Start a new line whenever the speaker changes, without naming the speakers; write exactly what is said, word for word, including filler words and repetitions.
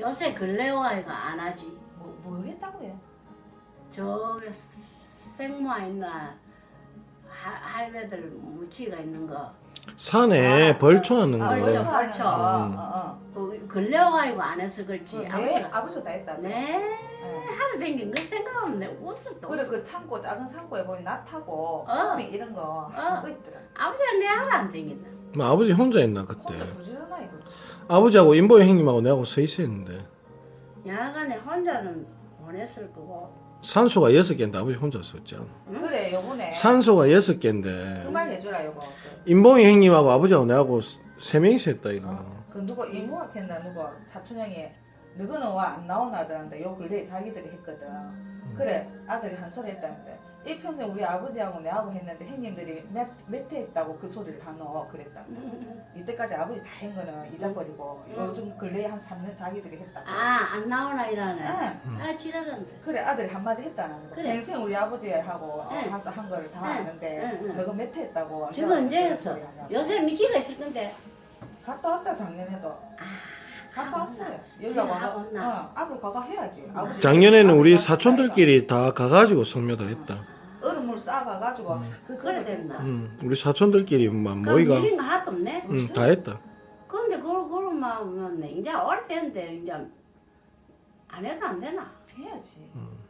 요새 근래 와이가 안 하지.
뭐, 뭐 했다고요?
저 생모아 있나 할- 할배들 무치가 있는 거.
산에
아,
벌초하는
아,
거.
벌초.
벌초
벌초.
어,
음.
어,
그 근래 와이가 안 해서
어.
그렇지.
네,
아버지가
아버지가 다 했다.
네
네.
하루 댕긴 거 생각하면 내 웃을 또.
그래 그 창고 작은 창고에 보니 낫하고
어.
호미 이런 거 하고 있더라.
아버지가 내 하루 안 댕긴다.
뭐 아버지 혼자 있나 그때.
혼자 부지런하 이거지.
아버지하고 인보 형님하고 내하고 서 있었는데
야간에 혼자는 보냈을 거고.
산소가 여섯 개인데 아버지 혼자 썼잖아.
응?
그래 요번에
산소가 여섯 개인데
그 말 해주라 요거.
인봉이 형님하고 아버지하고 내하고 세 명이서 했다 이거.
어. 그 누가 이모가 했나 누가 사촌 형이 너희는 와 안 나오나 하더란데 요 근래에 자기들이 했거든. 그래 아들이 한 소리 했다는데 일평생 우리 아버지하고 내하고 했는데 형님들이 몇, 몇 회 했다고 그 소리를 하노 그랬다. 이때까지 아버지 다 한 거는 잊어버리고
응.
요즘 근래에 한 삼 년 자기들이 했다.
아 안 나오나 이러네.
응.
아 지랄한데.
그래 아들이 한마디 했다는 거.
그래.
평생 우리 아버지하고
응.
가서 한 거를 다
응.
아는데
응, 응.
너가 몇 회 했다고.
지금 언제
그런
했어?
소리 하냐고.
요새 미키가 있을 건데.
갔다 왔다 작년에도. 갔다
하고
왔어요.
온나?
연락
지금
와가.
하고 온나?
어, 아들 과가 해야지. 아버지
작년에는 우리
아들
사촌들끼리 다 가가지고 성묘다 했다.
얼음물 싸가가지고 그
그래 됐나?
음, 우리 사촌들끼리만
그럼
모이가
밀린 거 하나도 없네.
음, 다 했다.
그런데 그걸 그러면 이제 어릴 때인데 이제 안 해도 안 되나?
해야지.
음.